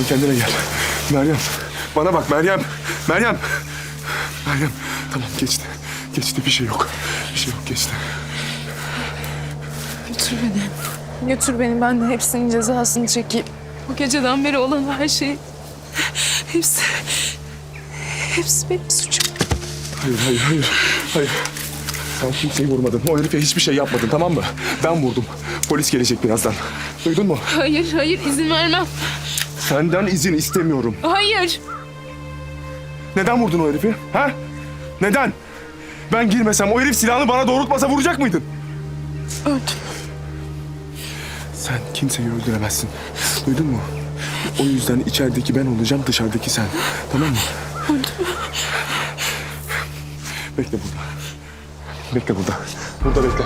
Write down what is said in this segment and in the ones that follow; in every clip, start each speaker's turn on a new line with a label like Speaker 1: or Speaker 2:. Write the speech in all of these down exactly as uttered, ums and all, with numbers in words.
Speaker 1: kendine gel. Meryem, bana bak Meryem. Meryem. Meryem, tamam geçti. Geçti, bir şey yok. Bir şey yok, geçti.
Speaker 2: Götür beni. Götür beni, ben de hepsinin cezasını çekeyim. Bu geceden beri olan her şey... Hepsi... Hepsi benim suçum.
Speaker 1: Hayır, hayır, hayır. Hayır. Sen kimseyi vurmadın. O herife hiçbir şey yapmadın, tamam mı? Ben vurdum. Polis gelecek birazdan. Duydun mu?
Speaker 2: Hayır, hayır, izin vermem.
Speaker 1: Senden izin istemiyorum.
Speaker 2: Hayır.
Speaker 1: Neden vurdun o herifi? Ha? Neden? Ben girmesem, o herif silahını bana doğrultmasa vuracak mıydın?
Speaker 2: Öldüm.
Speaker 1: Sen kimseyi öldüremezsin. Duydun mu? O yüzden içerideki ben olacağım, dışarıdaki sen. Tamam mı?
Speaker 2: Öldüm.
Speaker 1: Bekle burada. Bekle burada. Burada bekle.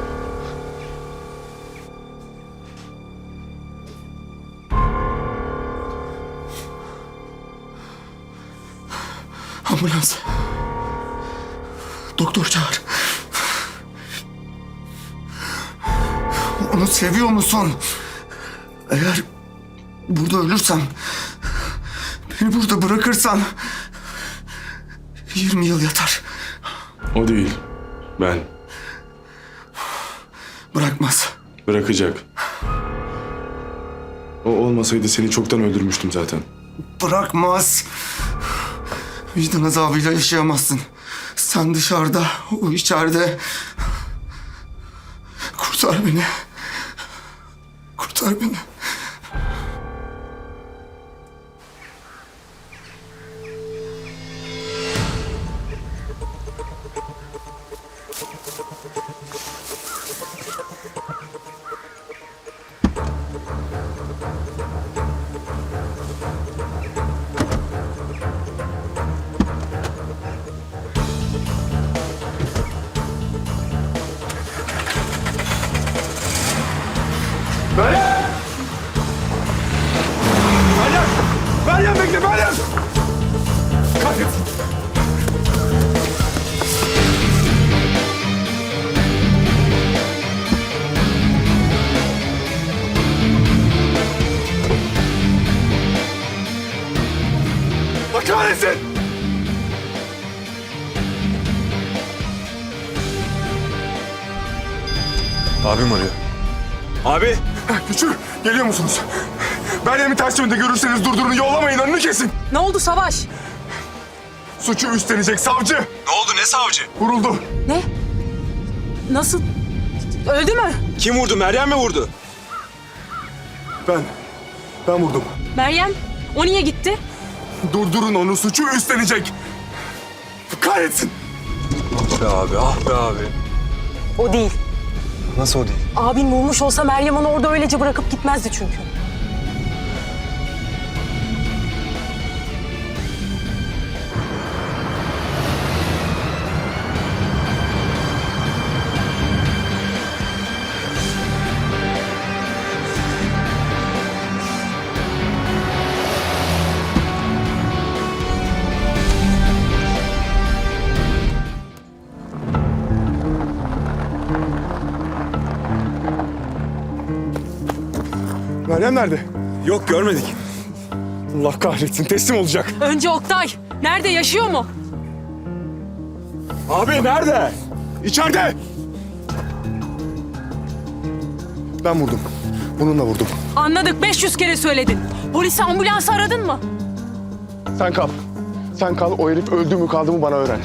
Speaker 1: Ambulans. Doktor çağır.
Speaker 3: Onu seviyor musun? Eğer burada ölürsem, beni burada bırakırsan yirmi yıl yatar.
Speaker 1: O değil. Ben.
Speaker 3: Bırakmaz.
Speaker 1: Bırakacak. O olmasaydı seni çoktan öldürmüştüm zaten.
Speaker 3: Bırakmaz. Vicdan azabıyla yaşayamazsın. Sen dışarıda, o içeride. Kurtar beni. Kurtar beni.
Speaker 1: Meryem! Meryem! Meryem bekle, Meryem! Kahretsin! Allah kahretsin!
Speaker 4: Abim arıyor. Abi!
Speaker 1: Güçlü, geliyor musunuz? Meryem'i ters yönde görürseniz durdurun, yollamayın, önünü kesin.
Speaker 5: Ne oldu Savaş?
Speaker 1: Suçu üstlenecek savcı.
Speaker 4: Ne oldu, ne savcı?
Speaker 1: Vuruldu.
Speaker 5: Ne? Nasıl? Öldü mü?
Speaker 4: Kim vurdu, Meryem mi vurdu?
Speaker 1: Ben, ben vurdum.
Speaker 5: Meryem, o niye gitti?
Speaker 1: Durdurun onu, suçu üstlenecek. Kahretsin.
Speaker 4: Ah be abi, ah be abi.
Speaker 5: O değil.
Speaker 4: Nasıl o değil?
Speaker 5: Abin vurmuş olsa Meryem onu orada öylece bırakıp gitmezdi çünkü.
Speaker 1: Meryem nerede?
Speaker 4: Yok, görmedik.
Speaker 1: Allah kahretsin, teslim olacak.
Speaker 5: Önce Oktay. Nerede, yaşıyor mu?
Speaker 1: Abi nerede? İçeride. Ben vurdum. Bununla vurdum.
Speaker 5: Anladık, beş yüz kere söyledin. Polisi, ambulansı aradın mı?
Speaker 1: Sen kal. Sen kal, o herif öldü mü kaldı mı bana öğren.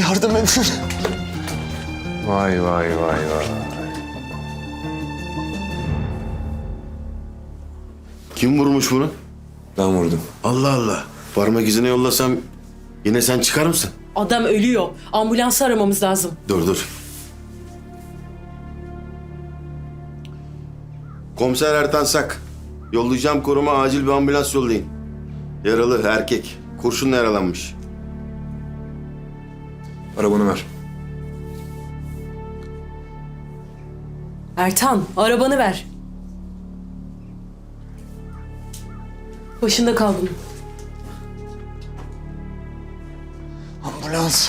Speaker 3: Yardım edin.
Speaker 1: Vay vay vay vay.
Speaker 6: Kim vurmuş bunu?
Speaker 4: Ben vurdum.
Speaker 6: Allah Allah. Parmak izine yollasam yine sen çıkar mısın?
Speaker 5: Adam ölüyor. Ambulansı aramamız lazım.
Speaker 6: Dur dur. Komiser Ertan Sak. Yollayacağım koruma acil bir ambulans yollayın. Yaralı erkek. Kurşunla yaralanmış.
Speaker 4: Arabanı ver.
Speaker 5: Ertan, arabanı ver. Başında kal bunun.
Speaker 3: Ambulans.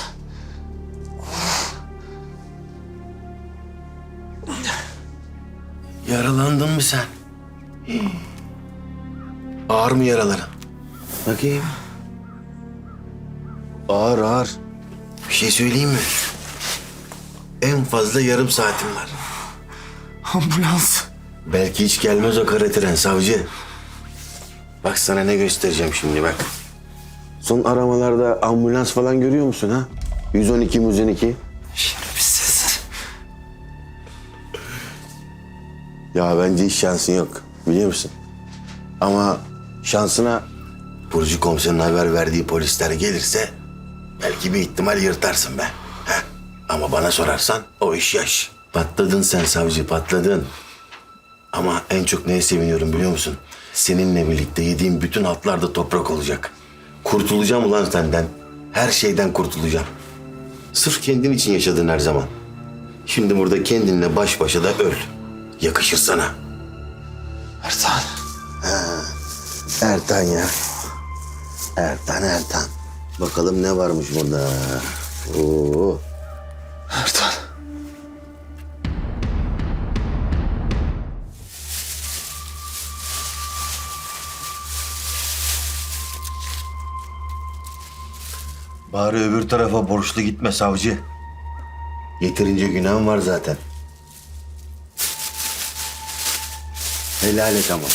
Speaker 6: Yaralandın mı sen? Hii. Ağır mı yaraların? Bakayım. Ağır ağır. Bir şey söyleyeyim mi? En fazla yarım saatim var.
Speaker 3: Ambulans.
Speaker 6: Belki hiç gelmez o kara tren savcı. Bak sana ne göstereceğim şimdi bak. Son aramalarda ambulans falan görüyor musun ha? yüz on iki, yüz on iki.
Speaker 3: Şerefsiz.
Speaker 6: Ya bence hiç şansın yok biliyor musun? Ama şansına Burcu komiserin haber verdiği polisler gelirse belki bir ihtimal yırtarsın be. Heh. Ama bana sorarsan o iş yaş. Patladın sen savcı patladın. Ama en çok neye seviniyorum biliyor musun? Seninle birlikte yediğim bütün altlar da toprak olacak. Kurtulacağım ulan senden. Her şeyden kurtulacağım. Sırf kendin için yaşadın her zaman. Şimdi burada kendinle baş başa da öl. Yakışır sana.
Speaker 3: Ertan.
Speaker 6: Ertan ya. Ertan Ertan. Bakalım ne varmış burada. Oo.
Speaker 3: Ertan.
Speaker 6: Bari öbür tarafa borçlu gitme savcı. Yeterince günahım var zaten. Helal et ama.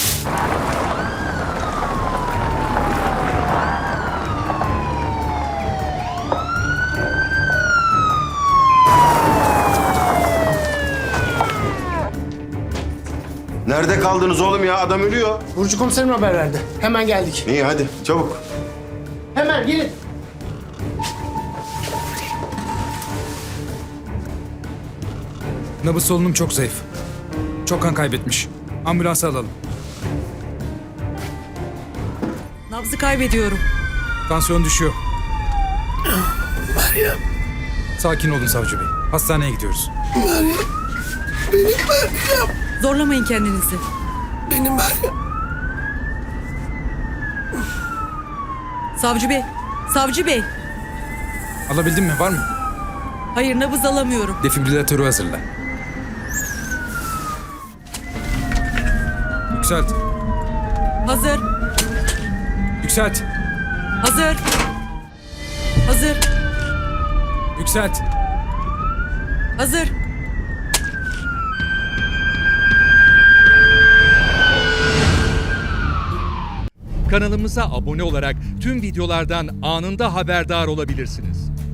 Speaker 6: Nerede kaldınız oğlum ya? Adam ölüyor.
Speaker 7: Burcu komiserim haber verdi. Hemen geldik.
Speaker 6: İyi hadi çabuk.
Speaker 7: Hemen gelin.
Speaker 8: Nabız solunum çok zayıf. Çok kan kaybetmiş. Ambulansa alalım.
Speaker 5: Nabzı kaybediyorum.
Speaker 8: Tansiyon düşüyor. Meryem. Sakin olun savcı bey. Hastaneye gidiyoruz.
Speaker 5: Zorlamayın kendinizi.
Speaker 7: Benim Meryem.
Speaker 5: Savcı bey, savcı bey.
Speaker 8: Alabildin mi? Var mı?
Speaker 5: Hayır, nabız alamıyorum.
Speaker 8: Defibrilatörü hazırla. Yükselt.
Speaker 5: Hazır,
Speaker 8: Yükselt.
Speaker 5: hazır. Hazır,
Speaker 8: Yükselt.
Speaker 5: hazır.
Speaker 9: Kanalımıza abone olarak tüm videolardan anında haberdar olabilirsiniz.